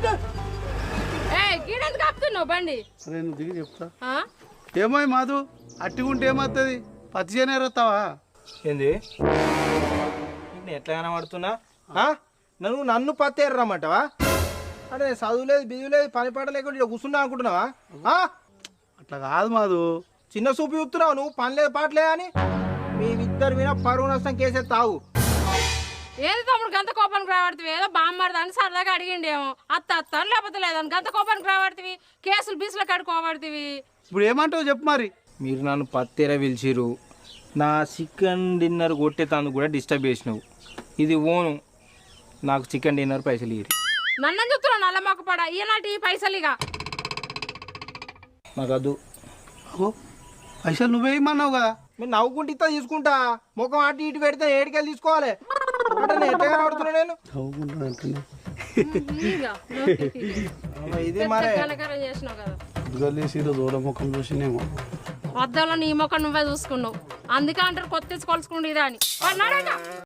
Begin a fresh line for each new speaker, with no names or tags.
గీడెందుకు ఆపుతున్నావు బండి?
అరే నువ్వు దిగి చెప్తా. ఏమో మాధు అట్టిగుంటే ఏమవుతుంది? పత్తి చేయనేరొస్తావా?
ఏంది ఎట్లా కనబడుతున్నా? నన్ను పత్తి ఎర్రమ్మంటావా? అరే చదువు లేదు బిజు లేదు పని పాట లేకుండా ఇక్కడ కూర్చున్నా అనుకుంటున్నావా?
అట్లా కాదు మాధు,
చిన్న చూపు చూస్తున్నావు నువ్వు. పని లేదు పాటలే అని మీ ఇద్దరు మీద పరువు నష్టం కేసే తావు.
ఏది తమ్ముడు గంత కోపానికి రాబడుతుంది? ఏదో బామ్మర్దని సరదాగా అడిగిండేమో అత్త లేకపోతే లేదని గంత కోపానికి రాబడుతుంది. కేసులు బీసులు కడుకోబడుతుంది.
ఇప్పుడు ఏమంటావు చెప్పు మరి.
మీరు నన్ను పత్తెర పిలిచిరు, నా చికెన్ డిన్నర్ కొట్టేతాను కూడా డిస్టర్బ్ చేసినావు. ఇది ఓను, నాకు చికెన్ డిన్నర్ పైసలు ఇయ్యి.
నన్ను చెప్తున్నావు నల్ల మొక్క పడ ఈనాటి పైసలు ఇక
నాకు వద్దు.
పైసలు నువ్వే ఇమ్మన్నావు కదా.
మీరు నవ్వుకుంటే ఇస్తా తీసుకుంటా. ముఖం అటు ఇటు పెడితే ఏడికెళ్ళి తీసుకోవాలి. ఎట్లా కనబడుతున్నా నేను? ఇది మరే
చేసినావు కదా.
దూరం ముఖం చూసినేమో
వద్దంలో నీ ముఖం నువ్వే చూసుకున్నావు. అందుకే అంటారు కొత్త కొలుసుకుంటే ఇదా అని.